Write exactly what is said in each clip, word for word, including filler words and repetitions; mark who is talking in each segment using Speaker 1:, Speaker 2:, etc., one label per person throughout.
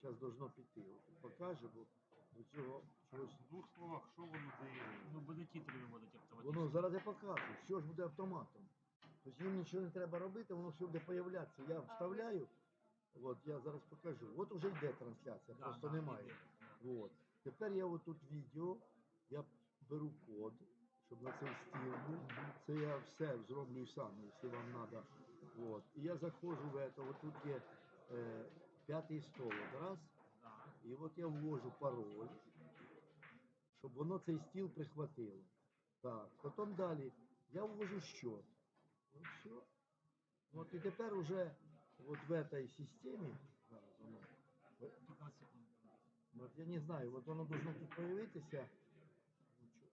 Speaker 1: зараз должно піти. От покаже, бо до цього чогось.
Speaker 2: В двох словах, що воно дає?
Speaker 3: Ну, буде титри виводити автоматично.
Speaker 1: Воно зараз я покажу, все ж буде автоматом. Тобто їм нічого не треба робити, воно все буде появлятися. Я вставляю, от я зараз покажу. От уже йде трансляція,
Speaker 3: Да,
Speaker 1: просто
Speaker 3: да,
Speaker 1: немає.
Speaker 3: іде.
Speaker 1: От. Тепер я отут відео, я беру код, щоб на цей стіл був. Це я все зроблю сам, якщо вам треба. От. І я заходжу в це, от тут є е, п'ятий стол, от раз.
Speaker 3: Да.
Speaker 1: І от я ввожу пароль, щоб воно цей стіл прихватило. Так, потім далі я ввожу счет. Ну все. От і тепер уже от в этой системі, зараз воно,
Speaker 3: п'ятнадцять секунд.
Speaker 1: от я не знаю, от воно должно тут появитися. Ну, чо-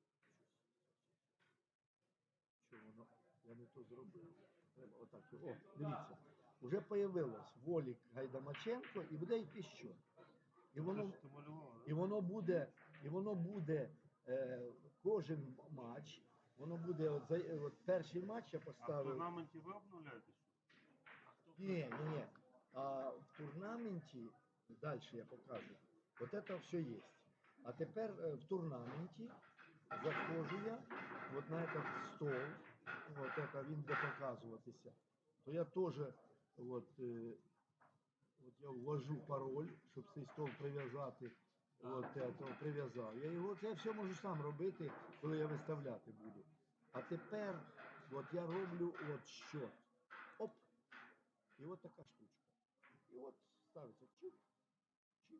Speaker 1: Що воно? Я не то зробив. Треба отак. О, дивіться. Уже появилось Волік Гайдамаченко і буде йти счет. І воно,
Speaker 2: Це ж ти малював,
Speaker 1: і воно буде, і воно буде е, кожен матч. Воно буде от, за, от перший матч я
Speaker 2: А в
Speaker 1: поставив.
Speaker 2: турнаменті ви обновляєте що?
Speaker 1: Ні, ні, ні. А в турнаменті, далі я покажу, от це все є. А тепер е, в турнаменті заходжу я от на этот стол, от это він буде показуватися, то я теж от, е, от я ввожу пароль, щоб цей стол прив'язати, от это, прив'язав. Я його, це все можу сам робити, коли я виставляти буду. А тепер от я роблю от що. Оп. І от така штучка. І от ставиться чик, чик.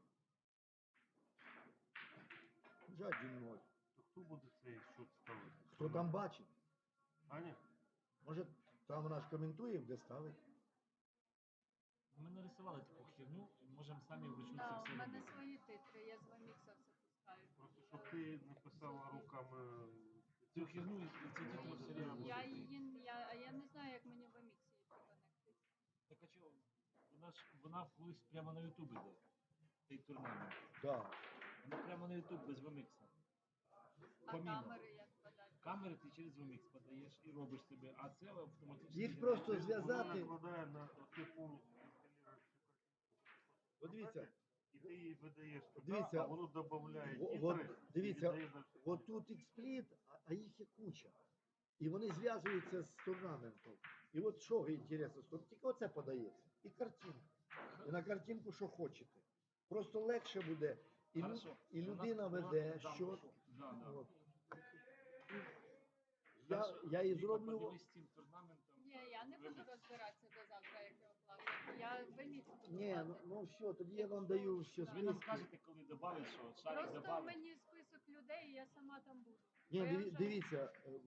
Speaker 1: Вже один-ноль.
Speaker 2: То хто буде цей счет ставити?
Speaker 1: Хто там бачить?
Speaker 2: Аня?
Speaker 1: Може, там вона ж коментує, де ставить.
Speaker 3: Ми нарисували таку херню, і можемо самі вручну
Speaker 4: Да,
Speaker 3: це
Speaker 4: у
Speaker 3: все
Speaker 4: мене
Speaker 3: робити.
Speaker 4: свої титри, я з Вамікса все пускаю.
Speaker 2: Просто щоб ти написала руками.
Speaker 3: Цю херню і ці титри все рівно
Speaker 4: Я
Speaker 3: будуть.
Speaker 4: її, я, а я не знаю, як мені в Ваміксі її приконектити.
Speaker 3: Так а чого? Вона ж вона колись прямо на Ютуб іде. Цей турнамент.
Speaker 1: Да.
Speaker 3: Вона прямо на Ютуб без Вамікса.
Speaker 4: А
Speaker 3: Помімо.
Speaker 4: камери як подати?
Speaker 3: Камери ти через Вамікс подаєш і робиш собі, а це автоматично.
Speaker 1: Їх
Speaker 3: йде.
Speaker 1: просто
Speaker 2: Вона
Speaker 1: зв'язати.
Speaker 2: накладає на ти повністю інсталюєш цю
Speaker 1: От дивіться,
Speaker 2: і ти її видаєш туди,
Speaker 1: Дивіться,
Speaker 2: а воно додає
Speaker 1: Во-
Speaker 2: тітри,
Speaker 1: от
Speaker 2: і
Speaker 1: дивіться,
Speaker 2: віддає на всю
Speaker 1: от тут експліт, а- а їх є куча. І вони зв'язуються з турнаментом. І от що інтересно, що тільки оце подається. І картинка. І на картинку що хочете. Просто легше буде. І, лю-
Speaker 3: Хорошо.
Speaker 1: і
Speaker 3: Вона-
Speaker 1: людина
Speaker 3: вона-
Speaker 1: веде,
Speaker 3: да,
Speaker 1: що.
Speaker 3: Да, да.
Speaker 1: От. Я,
Speaker 3: Хорошо.
Speaker 1: я і
Speaker 3: Віка,
Speaker 1: зроблю.
Speaker 3: подивись з цим турнаментом.
Speaker 4: Ні, я не буду розбиратися до завтра, як його класти. Я Вамікс буду
Speaker 1: Ні, ну,
Speaker 4: класти.
Speaker 1: ну все, тоді я вам даю ще
Speaker 3: Ви нам
Speaker 1: списки.
Speaker 3: скажете, коли додати, що шарик
Speaker 4: Просто
Speaker 3: додати.
Speaker 4: мені список людей, і я сама там буду.
Speaker 1: Ні,
Speaker 4: Бо я
Speaker 1: диві-
Speaker 4: вже-
Speaker 1: дивіться, е,